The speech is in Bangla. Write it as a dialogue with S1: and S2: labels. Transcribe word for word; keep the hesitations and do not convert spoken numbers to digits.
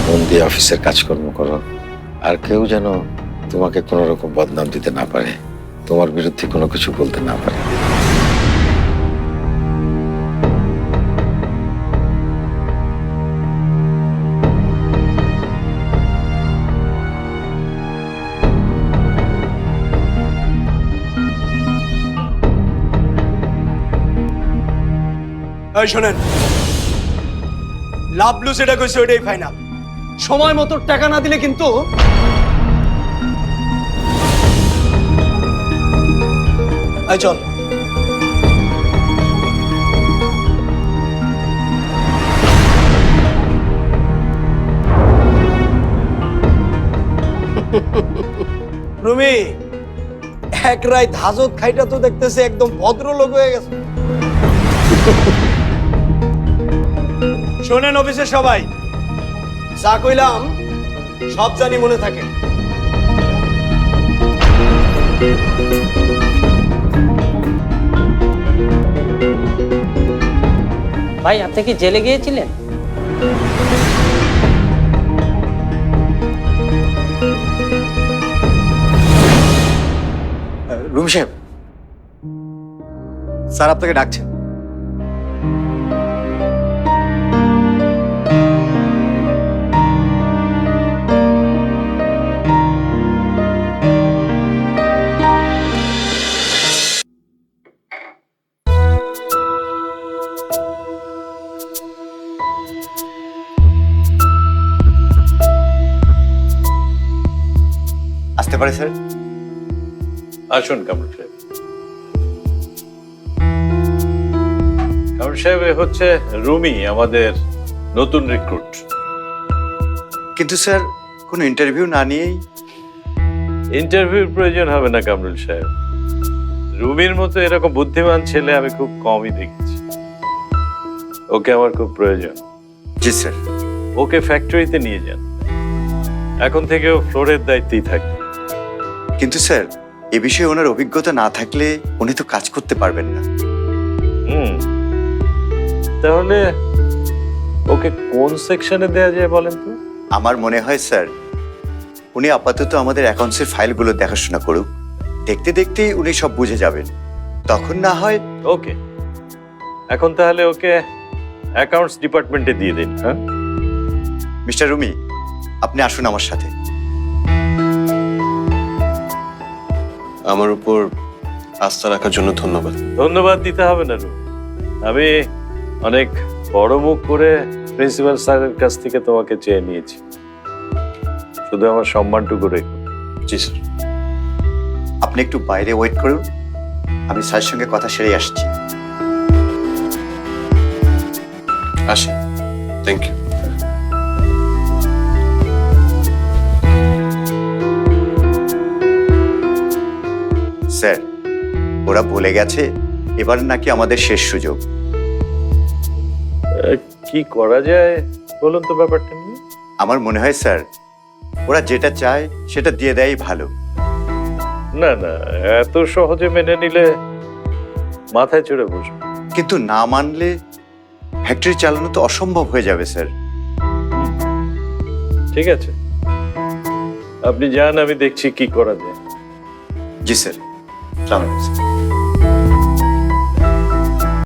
S1: মন দিয়ে অফিসের কাজকর্ম করো, আর কেউ যেন তোমাকে কোনো রকম বদনাম দিতে না পারে, তোমার বিরুদ্ধে কোনো কিছু বলতে না পারে।
S2: এই শোনেন, লাভলু যেটা কইছে ওইটাই ফাইনাল। সময় মতো টাকা না দিলে কিন্তু এই চল। রুমি, এক রাত হাজত খাইটা তো দেখতেছে একদম ভদ্রলোক হয়ে গেছে। শোনেন অফিসের সবাই, যা কইলাম সব জানি মনে থাকে।
S3: ভাই, আপনি কি জেলে গিয়েছিলেন?
S4: রুমি সাহেব, স্যার আপনাকে ডাকছেন। আসতে পারে স্যার?
S5: আসুন কামরুল সাহেব। কামরুল সাহেব, এ হচ্ছে রুমি, আমাদের নতুন রিক্রুট।
S4: কিন্তু স্যার, কোনো ইন্টারভিউ না নিয়েই?
S5: ইন্টারভিউর প্রয়োজন হবে না কামরুল সাহেব। রুমির মতো এরকম বুদ্ধিমান ছেলে আমি খুব কমই দেখেছি। ওকে আমার খুব প্রয়োজন।
S4: জি স্যার।
S5: ওকে ফ্যাক্টরিতে নিয়ে যান, এখন থেকে ও ফ্লোরের দায়িত্বেই থাকবে।
S4: কিন্তু স্যার, এ বিষয়ে ওনার অভিজ্ঞতা না থাকলে উনি তো কাজ করতে পারবেন না।
S5: হুম, তাহলে ওকে কোন সেকশনে দেয়া যায় বলেন তো?
S4: আমার মনে হয় স্যার, উনি আপাতত আমাদের অ্যাকাউন্টসের ফাইলগুলো দেখাশোনা করুক। দেখতে দেখতেই উনি সব বুঝে যাবেন, তখন না হয়।
S5: ওকে, এখন তাহলে ওকে অ্যাকাউন্টস ডিপার্টমেন্টে দিয়ে দিন। হ্যাঁ
S4: মিস্টার রুমি, আপনি আসুন আমার সাথে।
S6: আমার উপর আস্থা রাখার জন্য ধন্যবাদ।
S5: ধন্যবাদ দিতে হবে না রুমি, আমি অনেক বড় মুখ করে প্রিন্সিপাল স্যারের কাছ থেকে তোমাকে চেয়ে নিয়েছি। শুধু আমার সম্মানটুকু রেখো।
S6: জি স্যার।
S4: আপনি একটু বাইরে ওয়েট করুন, আমি স্যারের সঙ্গে কথা সেরে আসছি।
S6: আসি। Thank you.
S4: স্যার, ওরা বলে গেছে এবার নাকি আমাদের শেষ সুযোগ।
S5: আহ, কি করা যায় বলুন তো ব্যাপারটা নিয়ে?
S4: আমার মনে হয় স্যার, ওরা যেটা চায় সেটা দিয়ে দেয় ভালো।
S5: না না, এত সহজে মেনে নিলে মাথায় চড়ে বসবে।
S4: কিন্তু না মানলে ফ্যাক্টরি চালানো তো অসম্ভব হয়ে যাবে স্যার।
S5: ঠিক আছে, আপনি যান, আমি দেখছি কি করা যায়।
S4: জি স্যার। সালাম আলাইকুম স্যার।